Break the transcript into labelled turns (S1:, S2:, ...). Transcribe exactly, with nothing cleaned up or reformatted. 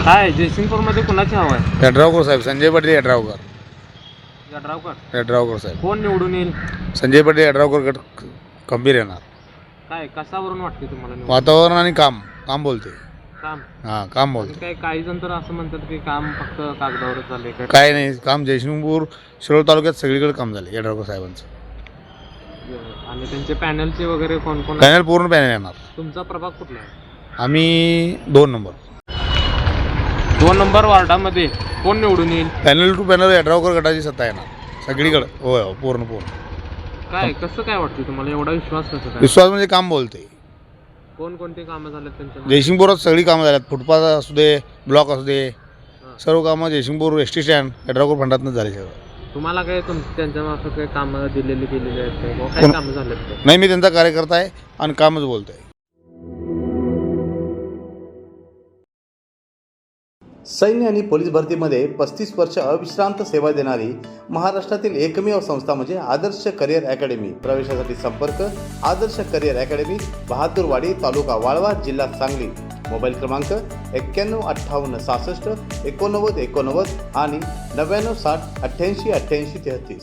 S1: काय जयसिंगपूरमध्ये कुणाची हवा आहे?
S2: यड्रावकर साहेब, संजय पाटील यड्रावकर.
S1: यड्रावकर
S2: यड्रावकर साहेब.
S1: कोण निवडून येईल?
S2: संजय पाटील यड्रावकर गट खंबीर येणार.
S1: काय कशावरून वाटते तुम्हाला निवडून?
S2: वातावरण आणि काम काम बोलते.
S1: काम
S2: हां काम
S1: आणि
S2: बोलते.
S1: काय काही जण तर असं म्हणतात की काम फक्त कागदावरच झाले काय
S2: काय नाही काम जयसिंगपूर शिरोळ तालुक्यात सगळीकडे काम झाले यड्रावकर साहेबांचं.
S1: आणि त्यांचे पॅनलचे वगैरे कोण कोण?
S2: पॅनल पूर्ण पॅनल येणार.
S1: तुमचा प्रभाग कुठला आहे?
S2: आम्ही दोन नंबर
S1: दोन नंबर वार्डामध्ये कोण निवडून येईल?
S2: पॅनल टू पॅनल यड्रावकर गटाची सत्ता येणार सगळीकडे. होय हो पूर्ण पूर्ण.
S1: काय कसं काय वाटतं तुम्हाला एवढा विश्वास कसं काय?
S2: विश्वास म्हणजे काम बोलते.
S1: कोणकोणती कामं झालेत त्यांच्या?
S2: जयसिंगपुरात सगळी कामं झाल्यात. फुटपाथ असू दे, ब्लॉक असू दे, सर्व कामं Jaysingpur S T stand Yadravkar फंडातनं झाली सगळं.
S1: तुम्हाला काय तुम त्यांच्या मार्फत काही कामं दिलेली गेलेली आहेत काय? काय
S2: कोण-
S1: कामं झालेत काय?
S2: नाही मी त्यांचा कार्यकर्ता आहे आणि कामच बोलतो आहे.
S3: सैन्य आणि पोलीस भरतीमध्ये पस्तीस वर्ष अविश्रांत सेवा देणारी महाराष्ट्रातील एकमेव संस्था म्हणजे आदर्श करिअर अकॅडमी. प्रवेशासाठी संपर्क आदर्श करिअर अकॅडमी, बहादूरवाडी, तालुका वाळवा, जिल्हा सांगली. मोबाईल क्रमांक एक्क्याण्णव अठ्ठावन्न सहासष्ट एकोणनव्वद एकोणनव्वद आणि नव्याण्णव साठ अठ्ठ्याऐंशी अठ्ठ्याऐंशी तेहतीस.